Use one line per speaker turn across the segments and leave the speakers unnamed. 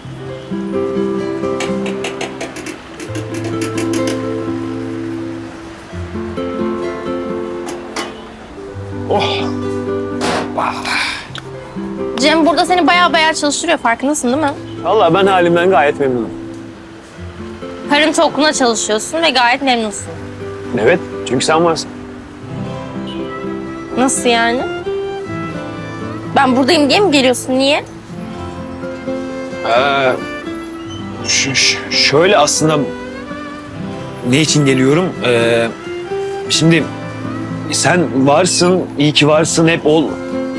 Oh.
Cem burada seni bayağı çalıştırıyor, farkındasın değil mi?
Vallahi ben halimden gayet memnunum.
Karın tokluğuna çalışıyorsun ve gayet memnunsun.
Evet, çünkü sen varsın.
Nasıl yani? Ben buradayım diye mi geliyorsun? Niye?
Şöyle aslında ne için geliyorum? Şimdi sen varsın, iyi ki varsın, hep ol.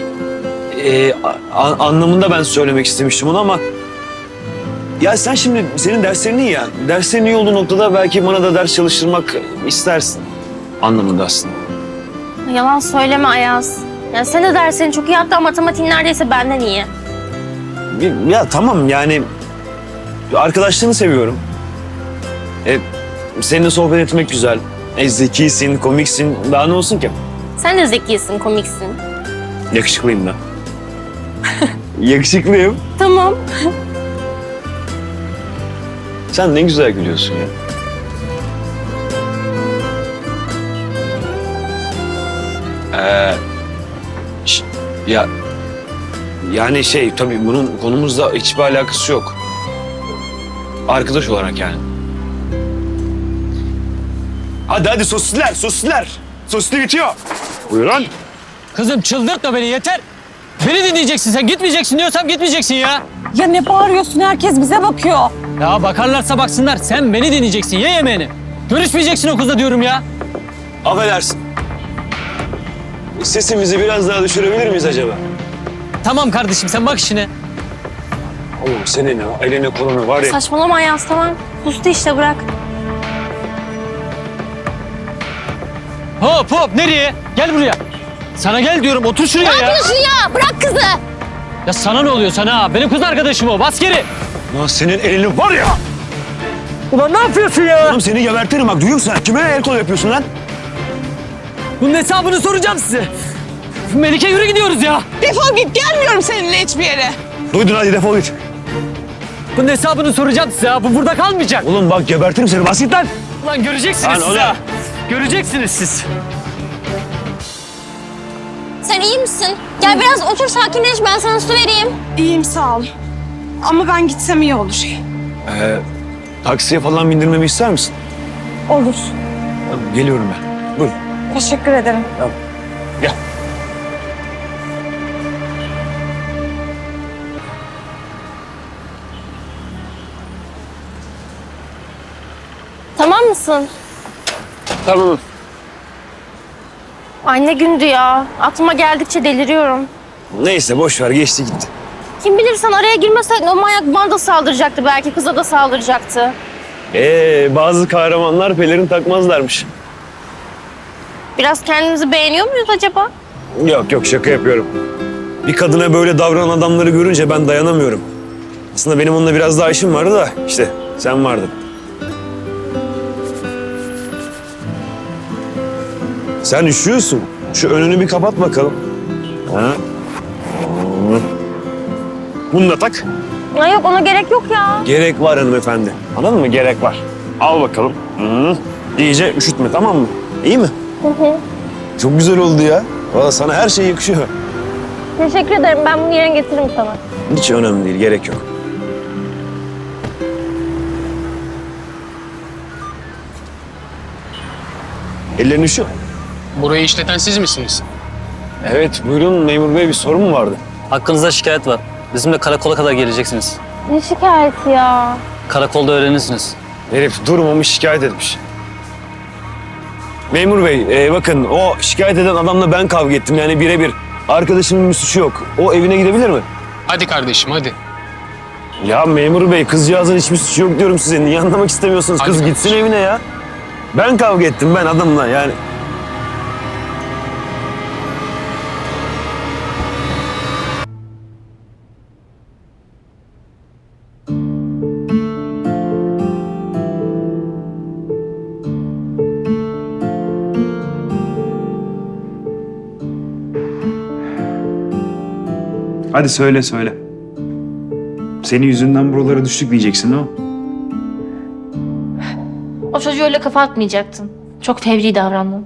Anlamında ben söylemek istemiştim onu ama ya sen şimdi senin derslerin iyi ya. Derslerin iyi olduğu noktada belki bana da ders çalıştırmak istersin anlamında aslında.
Yalan söyleme Ayaz. Yani sen de derslerin çok iyi, hatta matematiğin neredeyse benden iyi.
Ya tamam yani arkadaşlığını seviyorum. Seninle sohbet etmek güzel. Zekisin, komiksin. Daha ne olsun ki?
Sen de zekisin, komiksin.
Yakışıklıyım da. Yakışıklıyım.
Tamam.
Sen ne güzel gülüyorsun ya. Ya yani tabii bunun konumuzla hiçbir alakası yok. Arkadaş olarak yani. Hadi sosisler. Sosisli bitiyor. Buyurun.
Kızım çıldırtma beni yeter. Beni dinleyeceksin sen, gitmeyeceksin diyorsam gitmeyeceksin ya.
Ya ne bağırıyorsun? Herkes bize bakıyor.
Ya bakarlarsa baksınlar, sen beni dinleyeceksin, ye yemeğini. Görüşmeyeceksin o kızla diyorum ya.
Affedersin. Sesimizi biraz daha düşürebilir miyiz acaba?
Tamam kardeşim, sen bak işine.
Oğlum senin eline kolunu var ya.
Saçmalama Ayaz, tamam. Sustu işte, bırak.
Hop nereye? Gel buraya. Sana gel diyorum, otur şuraya ya.
ya? Bırak kızı.
Ya sana ne oluyor sana? Benim kız arkadaşım o, bas geri.
Lan senin elini var ya.
Ulan ne yapıyorsun ya?
Oğlum seni gebertirim bak, duyuyor musun? Kime el kol yapıyorsun lan?
Bunun hesabını soracağım size. Melike yürü gidiyoruz ya.
Defol git, gelmiyorum seninle hiçbir yere.
Duydun, hadi defol git.
Bunun hesabını soracağım size ya. Bu burada kalmayacak.
Oğlum bak gebertirim seni, bas git lan.
Lan göreceksiniz
Lan
siz
oğlum.
ya. Göreceksiniz siz.
Sen iyi misin? Gel biraz otur, sakinleş, ben sana su vereyim.
İyiyim, sağ ol. Ama ben gitsem iyi olur.
Taksiye falan bindirmemi ister misin?
Olur.
Tamam, geliyorum ben. Buyur.
Teşekkür ederim.
Gel.
Tamam mısın?
Tamam.
Ay ne gündü ya. Aklıma geldikçe deliriyorum.
Neyse boş ver, geçti gitti.
Kim bilir, sen araya girmeseydin o manyak bana da saldıracaktı, belki kıza da saldıracaktı.
Bazı kahramanlar pelerin takmazlarmış.
Biraz kendimizi beğeniyor muyuz acaba?
Yok şaka yapıyorum. Bir kadına böyle davranan adamları görünce ben dayanamıyorum. Aslında benim onunla biraz daha işim vardı da işte sen vardın. Sen üşüyorsun. Şu önünü bir kapat bakalım. Ha? Bunu da tak.
Ay yok, ona gerek yok ya.
Gerek var hanımefendi. Anladın mı? Gerek var. Al bakalım. Hı. İyice üşütme, tamam mı? İyi mi?
Hı.
Çok güzel oldu ya. Valla sana her şey yakışıyor.
Teşekkür ederim, ben bunu yarın getiririm sana.
Hiç önemli değil, gerek yok. Ellerini üşüyor.
Burayı işleten siz misiniz?
Evet, buyurun memur bey, bir sorun mu vardı?
Hakkınızda şikayet var. Bizimle karakola kadar geleceksiniz.
Ne şikayeti ya?
Karakolda öğrenirsiniz.
Herif durmamış, şikayet etmiş. Memur bey, bakın o şikayet eden adamla ben kavga ettim, yani birebir. Arkadaşımın bir suçu yok. O evine gidebilir mi?
Hadi kardeşim hadi.
Ya memur bey, kızcağızın hiçbir suçu yok diyorum size. Niye anlamak istemiyorsunuz?
Hadi
Kız
kardeşim.
gitsin evine ya. Ben kavga ettim, ben adamla yani. Hadi söyle. senin yüzünden buralara düştük diyeceksin değil mi?
O çocuğu öyle kafa atmayacaktın. Çok fevri davrandın.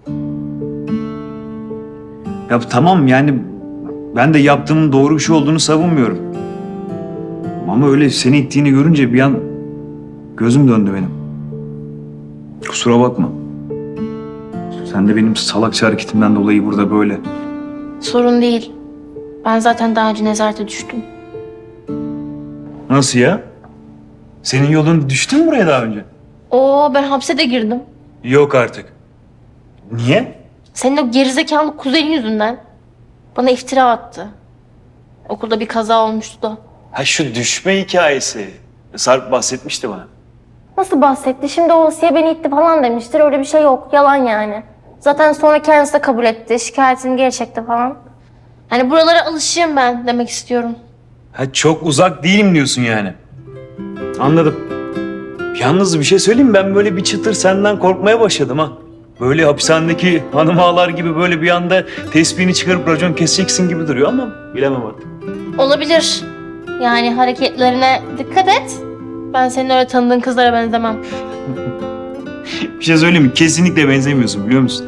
Ya tamam yani ben de yaptığımın doğru bir şey olduğunu savunmuyorum. Ama öyle seni ittiğini görünce bir an gözüm döndü benim. Kusura bakma. Sen de benim salakça hareketimden dolayı burada böyle.
Sorun değil. Ben zaten daha önce nezarete düştüm.
Nasıl ya? Senin yolun düştü mü buraya daha önce?
Ben hapse de girdim.
Yok artık. Niye?
Senin o gerizekalı kuzenin yüzünden bana iftira attı. Okulda bir kaza olmuştu da.
Ha şu düşme hikayesi. Sarp bahsetmişti bana.
Nasıl bahsetti? Şimdi o Asiye beni itti falan demiştir. Öyle bir şey yok. Yalan yani. Zaten sonra kendisi de kabul etti. Şikayetini geri çekti falan. Hani buralara alışayım ben demek istiyorum.
Ha çok uzak değilim diyorsun yani. Anladım. Yalnız bir şey söyleyeyim mi? Ben böyle bir çıtır senden korkmaya başladım ha. Böyle hapishanedeki hanım ağalar gibi böyle bir anda tespihini çıkarıp racon keseceksin gibi duruyor ama bilemem artık.
Olabilir. Yani hareketlerine dikkat et. Ben senin öyle tanıdığın kızlara benzemem.
Bir şey söyleyeyim mi? Kesinlikle benzemiyorsun biliyor musun?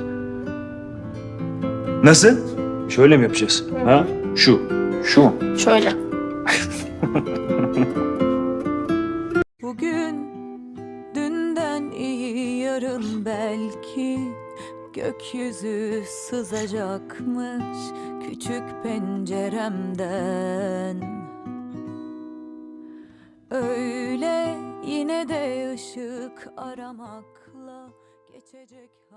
Nasıl? Şöyle mi yapacağız? Ha? Şu. Şu mu?
Şöyle.
Bugün dünden iyi yarın belki gökyüzü sızacakmış küçük penceremden. Öyle yine de ışık aramakla geçecek.